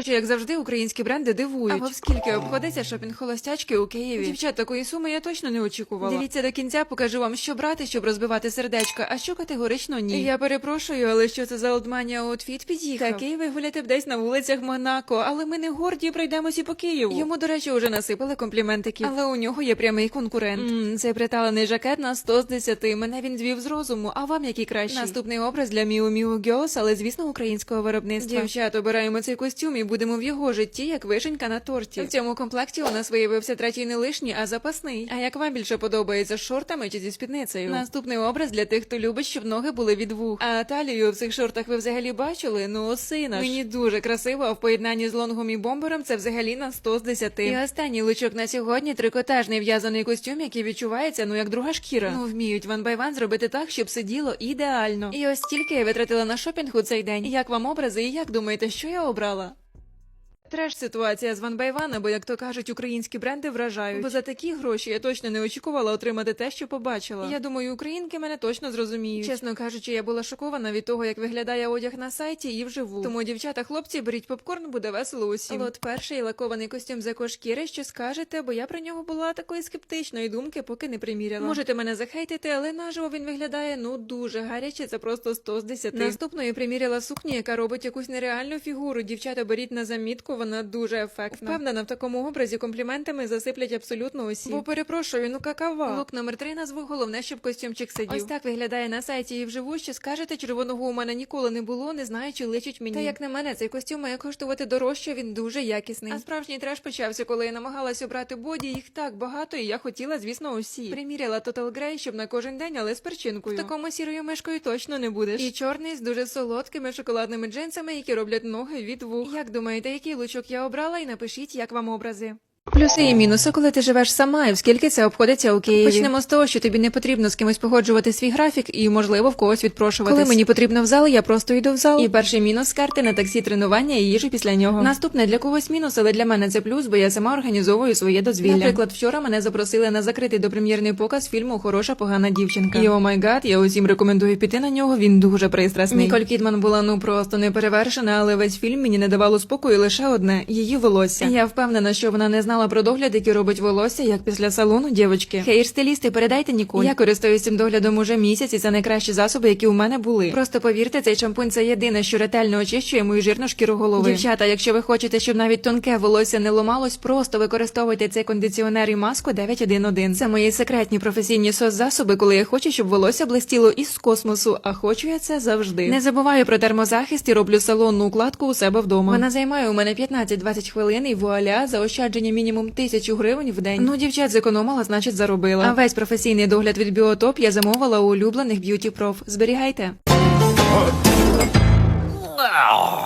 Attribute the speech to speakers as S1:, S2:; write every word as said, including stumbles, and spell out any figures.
S1: Коротше, як завжди, українські бренди дивують. Або скільки обходиться шопінг холостячки у Києві. Дівчат, такої суми я точно не очікувала. Дивіться до кінця, покажу вам, що брати, щоб розбивати сердечка, а що категорично ні. Я перепрошую, але що це за олдманія аутфіт під'їхав? Такий ви гуляти б десь на вулицях Монако, але ми не горді, пройдемося по Києву. Йому, до речі, уже насипали компліментики, але у нього є прямий конкурент. Ммм, цей приталений жакет на сто з десяти. Мене він звів з розуму, а вам який кращий? Наступний образ для Miu Miu Girls, але, звісно, українського виробництва. Дівчат, обираємо цей костюм і будемо в його житті, як вишенька на торті. В цьому комплекті у нас виявився третій не лишній, а запасний. А як вам більше подобається, з шортами чи зі спідницею? Наступний образ для тих, хто любить, щоб ноги були від вух. А талію в цих шортах ви взагалі бачили? Ну, осина ж. Мені дуже красиво, а в поєднанні з лонгом і бомбером це взагалі на сто з десяти. І останній лучок на сьогодні – трикотажний в'язаний костюм, який відчувається, ну, як друга шкіра. Ну, вміють One by One зробити так, щоб сиділо ідеально. І ось стільки я витратила на шопінг у цей день. Як вам образи і як думаєте, що я обрала? Треш ситуація з One by One, бо, як то кажуть, українські бренди вражають. Бо за такі гроші я точно не очікувала отримати те, що побачила. Я думаю, українки мене точно зрозуміють. Чесно кажучи, я була шокована від того, як виглядає одяг на сайті і вживу. Тому, дівчата, хлопці, беріть попкорн, буде весело усім. Лот перший, лакований костюм з екошкіри, що скажете, бо я про нього була такої скептичної думки, поки не приміряла. Можете мене захейтити, але наживо він виглядає, ну, дуже гаряче, це просто сто з десяти. Наступною приміряла сукню, яка робить якусь нереальну фігуру. Дівчата, беріть на замітку, вона дуже ефектна. Впевнена, в такому образі компліментами засиплять абсолютно усі. Бо перепрошую, ну какава. Лук номер три назву, головне, щоб костюмчик сидів. Ось так виглядає на сайті і вживу, що скажете, червоного у мене ніколи не було, не знаю, чи личить мені. Та як на мене, цей костюм має коштувати дорожче, він дуже якісний. А справжній треш почався, коли я намагалась обрати боді, їх так багато, і я хотіла, звісно, усі. Приміряла Total Grey, щоб на кожен день, але з перчинкою. В такому сірою мишкою точно не будеш. І чорний з дуже солодкими шоколадними джинсами, які роблять ноги від вух. Як думаєте, який лучок я обрала, і напишіть, як вам образи. Плюси і мінуси, коли ти живеш сама, і в скільки це обходиться у Києві. Почнемо з того, що тобі не потрібно з кимось погоджувати свій графік і, можливо, в когось відпрошуватись. Коли мені потрібно в зал, я просто йду в зал. І перший мінус – карти на таксі, тренування і їжу після нього. Наступне для когось мінус, але для мене це плюс, бо я сама організовую своє дозвілля. Наприклад, вчора мене запросили на закритий допрем'єрний показ фільму «Хороша погана дівчинка». І, о май гад, я усім рекомендую піти на нього, він дуже пристрасний. Ніколь Кідман була, ну, просто неперевершена, але весь фільм мені не давало спокою лише одне – її волосся. Я впевнена, що вона не знала про догляд, який робить волосся, як після салону, дівочки. Хейр-стилісти, передайте Ніколь. Я користуюсь цим доглядом уже місяць, і це найкращі засоби, які у мене були. Просто повірте, цей шампунь – це єдине, що ретельно очищує мою жирну шкіру голови. Дівчата, якщо ви хочете, щоб навіть тонке волосся не ломалось, просто використовуйте цей кондиціонер і маску дев'ять один один. Це мої секретні професійні сос-засоби, коли я хочу, щоб волосся блистіло із космосу, а хочу я це завжди. Не забуваю про термозахист і роблю салонну укладку у себе вдома. Вона займає у мене п'ятнадцять-двадцять хвилин і вуаля, заощадження мінімум тисячу гривень в день. Ну, дівчат, зекономила, значить заробила. А весь професійний догляд від Біотоп я замовила у улюблених б'юті проф. Зберігайте.